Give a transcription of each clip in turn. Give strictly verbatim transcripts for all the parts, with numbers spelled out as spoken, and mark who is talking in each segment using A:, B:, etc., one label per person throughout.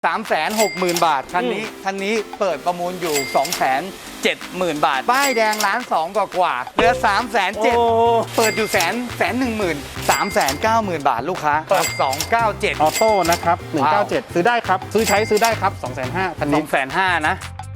A: สามแสนหกหมื่นบาทคันนี้คันนี้เปิดประมูลอยู่ สองแสนเจ็ดหมื่น บาทป้ายแดงล้านสองกว่ากว่าเหลือ สามแสนเจ็ด เปิดอยู่แสนแสนหนึ่งหมื่น สามแสนเก้าหมื่น บาทลูกค้าเปิดสองเก้าเจ็ด
B: ออโต้นะครับหนึ่งเก้าเจ็ดซื้อได้ครับซื้อใช้ซื้อได้ครับสองแสนห้าคัน
A: ส
B: นี้
A: องแสนห้านะ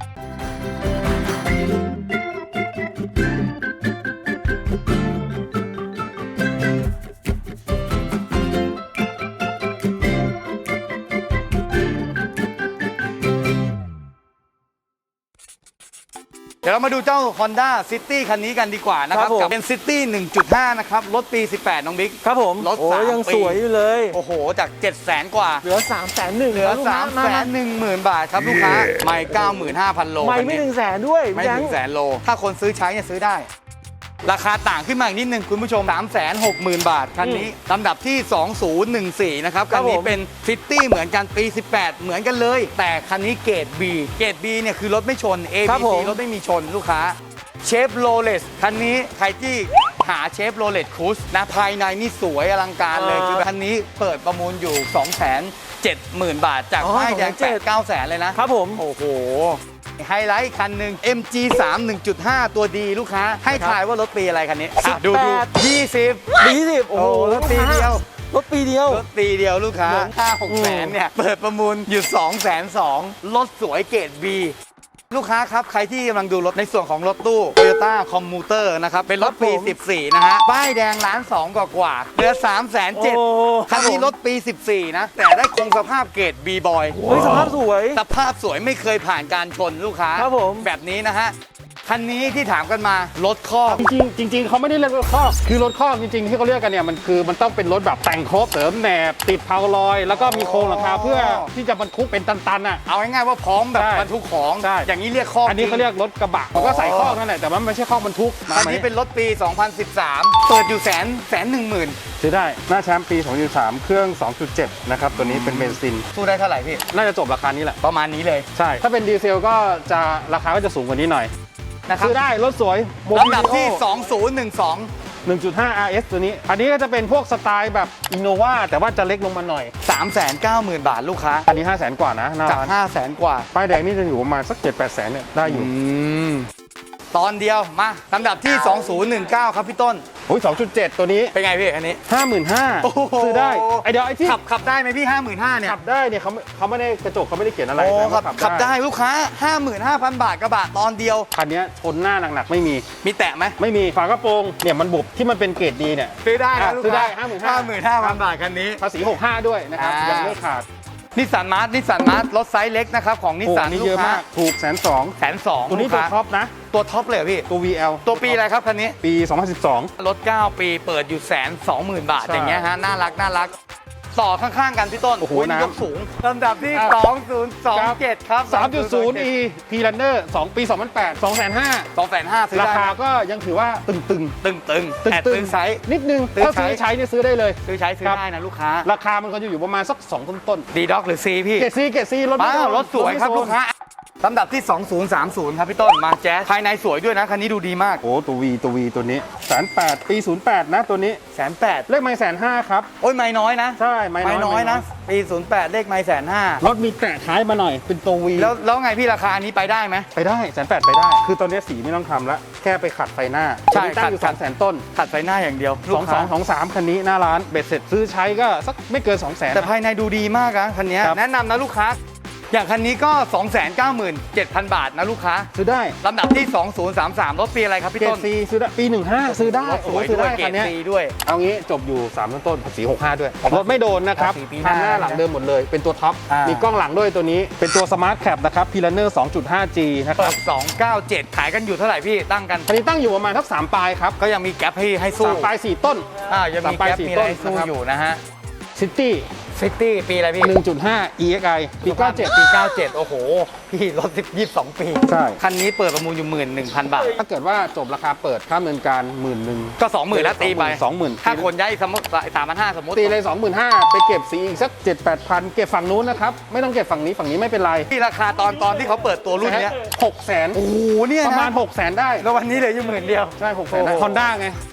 A: เดี๋ยวเรามาดูเจ้า Honda City คันนี้กันดีกว่านะครับกับเป็น City หนึ่งจุดห้า นะครับรถปีสิบแปดน้องบิ๊ก
C: ครับผม
A: รถ
C: โอ้
A: สาม
C: ยัง
A: ปี
C: สวยอยู่เลย
A: โอ้โหจาก เจ็ดแสน กว่า
C: เหลือ สามแสนหนึ่ง
A: เหลือ สามแสนหนึ่งหมื่น บาทครับลูกค้าไม่ เก้าหมื่นห้าพัน โล
C: ไม่ไม่ถึงแสนด้วย
A: ไม่ถึงแสนโลถ้าคนซื้อใช้เนี่ยซื้อได้ราคาต่างขึ้นมาอีกนิดนึงคุณผู้ชม สามแสนหกหมื่น บาทคันนี้ลำดับที่ สองศูนย์หนึ่งสี่ นะครับคันนี้เป็นซิตี้เหมือนกันปีสิบแปดเหมือนกันเลยแต่คันนี้เกรด B เกรด B เนี่ยคือรถไม่ชน A B C รถไม่มีชนลูกค้าเชฟโรเลสคันนี้ใครที่หาเชฟโรเลสครูซนะภายในนี่สวยอลังการเลยคือคันนี้เปิดประมูลอยู่ สองแสนเจ็ดหมื่น บาทจากป้ายแดงแปด เก้าแสนเลยนะครับ
C: ผม
A: โอ้โหไฮไลท์คันหนึ่ง เอ็ม จี สาม หนึ่งจุดห้า ตัวดีลูกค้าให้ทายว่ารถปีอะไรคันนี้อ่ะดูดูยี่สิบ
C: ปีสิบโอ้
A: โอ้
C: โห
A: รถปีเดียว
C: รถปีเดียว
A: รถปีเดียวลูกค้าห้าหกแสนเนี่ยเปิดประมูลอยู่ สองแสนสอง รถสวยเกรด Bลูกค้าครับใครที่กำลังดูรถในส่วนของรถตู้ Toyota Commuter นะครับเป็นรถปีสิบสี่นะฮะป้ายแดงล้านสองกว่ากว่าเหลือ สามแสนเจ็ด คันนี้รถปีสิบสี่นะแต่ได้คงสภาพเกรด B boy
C: เฮ้ยสภาพสวย
A: สภาพสวยไม่เคยผ่านการชนลูกค้า
C: ครับผม
A: แบบนี้นะฮะคันนี้ที่ถามกันมารถคอก
B: จริงๆจริงๆเขาไม่ได้เรียกรถคอกคือรถคอกจริงๆที่เขาเรียกกันเนี่ยมันคือมันต้องเป็นรถแบบแต่งครบเสริมแหนบติดเพาลอยแล้วก็มีโครงหลังคาเพื่อที่จะบรรทุกเป็นตันๆอ่ะ
A: เอาง่ายๆว่าพร้อมแบบ
B: ใช่
A: บรรทุกของ
B: ใช่
A: อย่างนี้เรียกคอก
B: อันนี้เขาเรียกรถกระบะมันก็ใส่คอกนั่นแหละแต่ว่ามันไม่ใช่คอกบรรทุก
A: คันนี้เป็นรถปี สองพันสิบสาม เปิดอยู่แสนแสนหนึ่งหมื่น
B: ซื้อได้หน้าแชมป์ปีสองพันสามเครื่อง สองจุดเจ็ด นะครับตัวนี้เป็นเบนซิน
A: สู้ได้เท่าไหร่พี่
B: น่าจะจบราคานี้แหละ
A: ประมาณนี้เลย
B: ใช่ถ้าเป็นดีเซลก็จะราคาก็จะสูงกว่านี้หน่อย
A: นะครับ
B: ซื้อได้รถสวย
A: ลำดับที่ สองศูนย์หนึ่งสอง
B: หนึ่งจุดห้า อาร์ เอส ตัวนี้ อันนี้ก็จะเป็นพวกสไตล์แบบอินโนวาแต่ว่าจะเล็กลงมาหน่อย
A: สามแสนเก้าหมื่น บาทลูกค้า
B: อันนี้ ห้าแสน กว่านะหน้า
A: จาก
B: ร้าน
A: ห้าแสนกว่า
B: ป้ายแดงนี่จะอยู่ประมาณสัก เจ็ดแปดแสนเนี่ยได้อยู่
A: ตอนเดียวมาลำดับที่ สองศูนย์หนึ่งเก้า ครับพี่ต้น
B: โอ้ยสองจุดเจ็ด ตัวนี้
A: เป็นไงพี่อันนี้
B: ห้าหมื่นห้าพัน ซื้อได้ไอเดี๋ยวไอที่
A: ขับขับได้ไหมพี่ ห้าหมื่นห้าพัน เนี่ย
B: ขับได้เนี่ยเขาไม่เขาไม่ได้กระจกเขาไม่ได้เขียนอะไร
A: โอ้
B: นะ
A: ขั
B: ว่า
A: บขับได้ลูกค้า ห้าหมื่นห้าพัน บาทกระบะตอนเดียว
B: คันนี้ชนหน้าหนักๆไม่มี
A: มีแตะไหม
B: ไม่มีฝากระโปรงเนี่ยมันบุบที่มันเป็นเกรดดีเนี่ย
A: ซื้อได้นะ
B: อ่ะ
A: ลูก
B: ซื้อได้
A: ค้า
B: ห้าหมื่น
A: ห้า
B: ห้า
A: หมื่นห้าพัน บาทคันนี้
B: ภาษีหกห้าด้วยนะครับ
A: อ่ายั
B: ยังไม่ขาด
A: นิสสันมาร์ทนิสสันมาร์ทรถไซส์เล็กนะครับของนิส
B: โอ้
A: สัน
B: อันนี้
A: ลู
B: เย
A: ก
B: อะ
A: ค้า
B: มากถูกแสนสอง
A: แสนสอง
B: ตัวนี้ตัวท็อปนะ
A: ตัวท็อปเลยเหรอพี่
B: ตัว วี แอล
A: ตัวปีอะไรครับคันนี้
B: ปีสองพันสิบสอง
A: รถ เก้า ปีเปิดอยู่แสนสองหมื่นบาท
B: ใช่
A: อย่างเงี้ยฮะน่ารักน่ารักต่อข้างๆกันพี่ต้น
B: โอ้โห
A: ย
B: น้ำ
A: ยกสูงลำดับที่
B: อ่ะ
A: สองศูนย์สองเจ็ด ครับ
B: สามจุดศูนย์ อี พี Runner สองปีสองพันแปด สองแสนห้า
A: สองแสนห้าซื้อ
B: รา
A: ได้
B: คาก็ยังถือว่าตึงๆ
A: ตึงตึง
B: ตึง
A: แต่
B: ตึ
A: ตึงไซส์
B: นิดนึง
A: ตึง
B: ถ้าซื้อ
A: ใช้
B: ใช้เนี่ยซื้อได้เลย
A: ซื้อใช้ซื้อ
B: ครับ
A: ได้นะลูกค้า
B: ราคามันก็จะอยู่ประมาณสักสองต้น
A: ดีด็อกหรือซีพี่
B: ๆเกรดซีเกรดซีรถไม่
A: ว้าว
B: โดน
A: รถสวยครับ
B: ไม่โดน
A: ลูกค้าลำดับที่ สองศูนย์สามศูนย์ ครับพี่ต้นมาแจ๊สภายในสวยด้วยนะคันนี้ดูดีมาก
B: โอ้ตัววีตัววีตัวนี้แสนแปดปีศูนย์แปดนะตัวนี้
A: แสนแปด
B: เลขไม่แสนห้าครับ
A: โอ้ยไม่น้อยนะ
B: ใช่ไม่น้อย
A: ไม่น้อยนะปีศูนย์แปดเลขไม่แสนห้าร
B: ถมีแตะท้ายมาหน่อยเป็นตัววี
A: แล้วแล้วไงพี่ราคาอันนี้ไปได้ไหม
B: ไปได้แสนแปดไปได้ คือตอนนี้สีไม่ต้องทำละแค่ไปขัดไฟหน้า
A: ใช่
B: ตัวนี้ตั้งอยู่
A: ขั
B: ส
A: ด
B: องแสนต้น
A: ขัดไฟหน้าอย่างเดียว
B: สองสองสองสามคันนี้หน้าร้านเบ็ดเสร็จซื้อใช้ก็สักไม่เกินสองแสน
A: แต่ภายในดูดีมากนะคันนี้
B: ครับ
A: แนะนำนะลูกค้า อย่างคันนี้ก็ สองแสนเก้าหมื่นเจ็ดพัน บาทนะลูกค้า
B: ซื้อได้
A: ลำดับที่ สองศูนย์สามสาม รถปีอะไรครับพี่
B: เกร
A: ต้
B: ด
A: น
B: ซีซื้อได้ปีหนึ่งห้าซื้อได้
A: รถสวย
B: โอ้โหซื้อ
A: ด้วย
B: ได้
A: เกร
B: คั
A: ด
B: นเนี้ย
A: ซีด้วย
B: เอางี้จบอยู่สามต้นภาษีหกห้าด้วยรถไม่โดนนะครับ
A: ภาษีปีหน้า
B: ทางหน้าหลังเดิมหมดเลยเป็นตัวท็อป
A: อ่ามี
B: มีกล้องหลังด้วยตัวนี้เป็นตัวสมาร์ทแคปนะครับพีลันเนอร์ สองจุดห้าจี นะค
A: เปิ
B: รับ
A: ดสองเก้าเจ็ดขายกันอยู่เท่าไหร่พี่ตั้งกัน
B: คันนี้ตั้งอยู่ประมาณทักสามปลายครับ
A: ก็ยังมีแก๊ปให้ให้สู้
B: สามปลายสี่ต้น
A: อ่ายังมี
B: สามปลาย
A: แก๊ป
B: สี่
A: มีอะไร
B: ต้น
A: ให้สู้
B: นะครับ
A: อยู่นะฮะ
B: ซิตี้
A: ซิตี้ปีอะไรพี่
B: หนึ่งจุดห้า อี เอ็กซ์ ไอ ปีเก้าเจ็ด
A: ปีเก้าเจ็ดโอ้โห พี่รถสิบยี่สิบสองปี
B: ใช่
A: คันนี้เปิดประมูลอยู่หมื่นหนึ่งพันบาท
B: ถ้าเกิดว่าจบราคาเปิดค่าดำเนินการหมื่นหนึ่ง
A: ก็สองหมื่นแล้วตีไป
B: สองหมื่น
A: ถ้าคนย้ายสมมติสามพันห้าสมมติ
B: ตีเลยสองหมื่นห้าไปเก็บสีอีกสักเจ็ดแปดพันเก็บฝั่งนู้นนะครับไม่ต้องเก็บฝั่งนี้ฝั่งนี้ไม่เป็นไร
A: ที่ราคาตอนตอนที่เขาเปิดตัวรุ่นเนี้ย
B: หกแสน
A: โอ้โหเนี่ย
B: ประมาณ
A: นะ
B: หกแสนได้
A: แล้ววันนี้เหลืออยู่หมื่นเดียว
B: ใช่หกแสน
A: โอ้โห
B: ฮอนด้าไง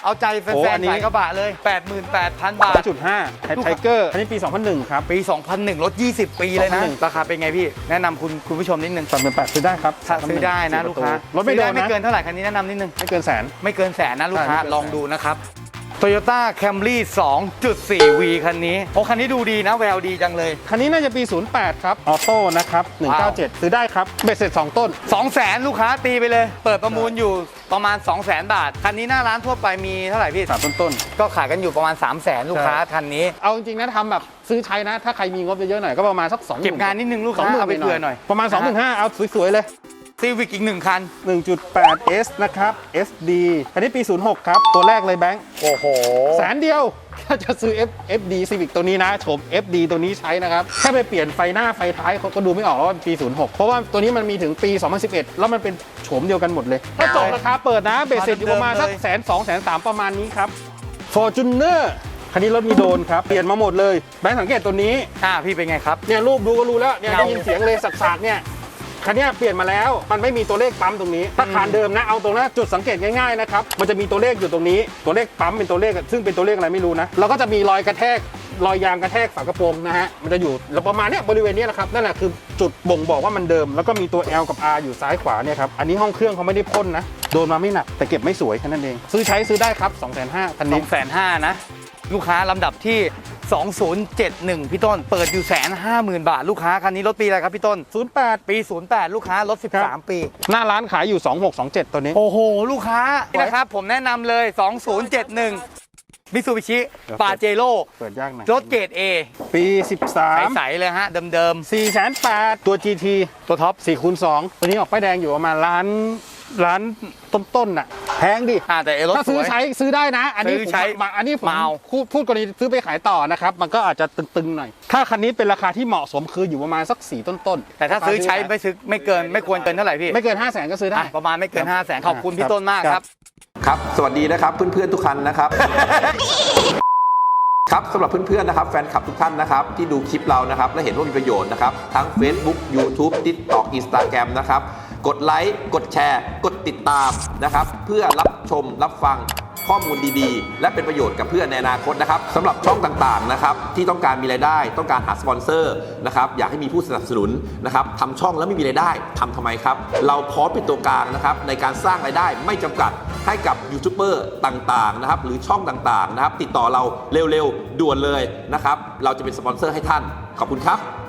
A: เอาใจแฟ
B: โอ้อั
A: น
B: นนี้
A: ๆสายกระบะเลย แปดหมื่นแปดพัน บาท
B: จุดห้าไทเกอร์อันนี้ปี สองพันหนึ่ง ครับ
A: ปี สองพันหนึ่ง รถ ยี่สิบ ปีเลยนะ
B: สองพันหนึ่ง
A: ราคาเป็นไงพี่ แนะนำคุณคุณผู้ชมนิดนึง
B: สามหมื่นแปดซื้อได้ครับ
A: ถ้าซื้อได้นะลูกค้าร
B: ถไม่โด
A: ซื้อ
B: น
A: ไม่
B: นะ
A: เกินเท่าไหร่คันนี้แนะนำนิดนึง
B: ไม่เกินแสน
A: ไม่เกินแสนนะลูกค้า
B: ใช่ไม่เกินแสน
A: ลองดูนะครับ Toyota Camry สองจุดสี่ วี คันนี้โอ้คันนี้ดูดีนะแววดีจังเลย
B: คันนี้น่าจะปี ศูนย์แปด ครับ ออโต้นะครับ หนึ่งเก้าเจ็ด ซื้อได้ครับ เบ็ดเสร็จ สอง ต้น
A: สองแสนลูกค้าตีไปเลย เปิดประมูลอยู่ประมาณ สองแสน บาท คันนี้หน้าร้านทั่วไปมีเท่าไหร่พี่
B: สาม ต้นต้น
A: ก็ขายกันอยู่ประมาณ สามแสน ลูกค้าคันนี้
B: เอาจริงๆนะทำแบบซื้อใช้นะ ถ้าใครมีงบเยอะๆหน่อยก็ประมาณสักสอง
A: เก็บงานนิดนึงลูกค้าเอาไปเผื่อหน่อย
B: ประมาณ สองหมื่นห้าพัน เอาสวยๆเลย
A: ซีวิกอีกหนึ่งคัน
B: หนึ่งจุดแปด เอส นะครับ เอส ดี คันนี้ปี ศูนย์หก ครับ ตัวแรกเลยแบงค์
A: โอ้โห
B: แสนเดียว ถ้าจะซื้อ F เอฟ ดี Civic ตัวนี้นะโฉม เอฟ ดี ตัวนี้ใช้นะครับแค่ไปเปลี่ยนไฟหน้าไฟท้ายเขาก็ดูไม่ออกว่ามันปี ศูนย์หก เพราะว่าตัวนี้มันมีถึงปี สองพันสิบเอ็ด แล้วมันเป็นโฉมเดียวกันหมดเลย ถ้าจบราคาเปิดนะเบสเสร็จอยู่ประมาณสักแสนสองแสนสามประมาณนี้ครับ Fortuner คันนี้รถมีโดนครับ เปลี่ยนมาหมดเลยแบงค์สังเกตตัวนี้
A: อ่าพี่เป็นไงครับ
B: เนี่ยรูปดูก็รู้แล้วเนี่ย
A: เงา
B: ได้ยินเสียงเลยสักๆเนี่ยคันเนี้ยเปลี่ยนมาแล้วมันไม่มีตัวเลขปั๊มตรงนี้ถ้าคานเดิมนะเอาตรงนั้นจุดสังเกตง่ายๆนะครับมันจะมีตัวเลขอยู่ตรงนี้ตัวเลขปั๊มเป็นตัวเลขซึ่งเป็นตัวเลขอะไรไม่รู้นะแล้วก็จะมีรอยกระแทกรอยยางกระแทกฝากระโปรงนะฮะมันจะอยู่แล้วประมาณเนี้ยบริเวณเนี้ยนะครับนั่นแหละคือจุดบ่งบอกว่ามันเดิมแล้วก็มีตัว L กับ R อยู่ซ้ายขวาเนี่ยครับอันนี้ห้องเครื่องเขาไม่ได้พ่นนะโดนมาไม่หนักแต่เก็บไม่สวยแค่นั้นเองซื้อใช้ซื้อได้ครับ สองแสนห้าพัน คัน
A: ส
B: นี้
A: องแสนห้านะ ลูกค้าลำดับที่ สองศูนย์เจ็ดหนึ่ง พี่ต้น เปิดอยู่แสนห้าหมื่นบาท ลูกค้าคันนี้รถปีอะไรครับพี่ต้น
B: ศูนย์แปด
A: ปี ศูนย์แปด ลูกค้ารถ สิบสาม ปี
B: หน้าร้านขายอยู่สองหกสองเจ็ดตัวนี้
A: โอ้โห ลูกค้านี่นะครับ ผมแนะนำเลย สองศูนย์เจ็ดหนึ่ง มิซูบิชิ ปาเจโร่
B: เปิดยากหน่อย
A: รถเกรด A
B: ปีสิบสาม
A: ใสๆเลยฮะ เดิม
B: สี่แสนแปดตัว จี ที
A: ๆ ตัวท็อป
B: สี่คูณสองตัวนี้ออกป้ายแดงอยู่ประมาณร้านร้านต้นๆน่ะแพงดิ
A: อ่าแต่เอรถ
B: ถ้า
A: ส
B: ซื้อ
A: วย
B: ใช้ซื้อได้นะ อันนี้
A: ซื้อ
B: ผม
A: ใช้
B: มาอันนี้ผม
A: เมา
B: พูดพูดกรณีซื้อไปขายต่อนะครับ มันก็อาจจะตึงๆหน่อย ถ้าคันนี้เป็นราคาที่เหมาะสมคืออยู่ประมาณสักสี่ต้นๆ
A: แต่ถ้าซื้อใช้ไม่ซื้อไม่เกินไม่ควรเกินเท่าไหร่พี่
B: ไม่เกินห้าแสนก็ซื้อได้
A: อ่ะประมาณไม่เกิน 5 0 0แสนขอบคุณ
B: ครับ
A: พี่ต้นมากครับ
D: ครับ สวัสดีนะครับเพื่อนๆทุกคันนะครับ ครับสำหรับเพื่อนๆนะครับแฟนคลับทุกท่านนะครับที่ดูคลิปเรานะครับและเห็นว่ามีประโยชน์นะครับทั้ง Facebook YouTube TikTok Instagram นะครับกดไลค์กดแชร์ กดติดตามนะครับเพื่อรับชมรับฟังข้อมูลดีๆ และเป็นประโยชน์กับเพื่อนในอนาคตนะครับสำหรับช่องต่างๆนะครับที่ต้องการมีรายได้ต้องการหาสปอนเซอร์นะครับอยากให้มีผู้สนับสนุนนะครับทำช่องแล้วไม่มีรายได้ทำทำไมครับเราพร้อมเป็นตัวกลางนะครับในการสร้างรายได้ไม่จำกัดให้กับยูทูบเบอร์ต่างๆนะครับหรือช่องต่างๆนะครับติดต่อเราเร็วๆด่วนเลยนะครับเราจะเป็นสปอนเซอร์ให้ท่านขอบคุณครับ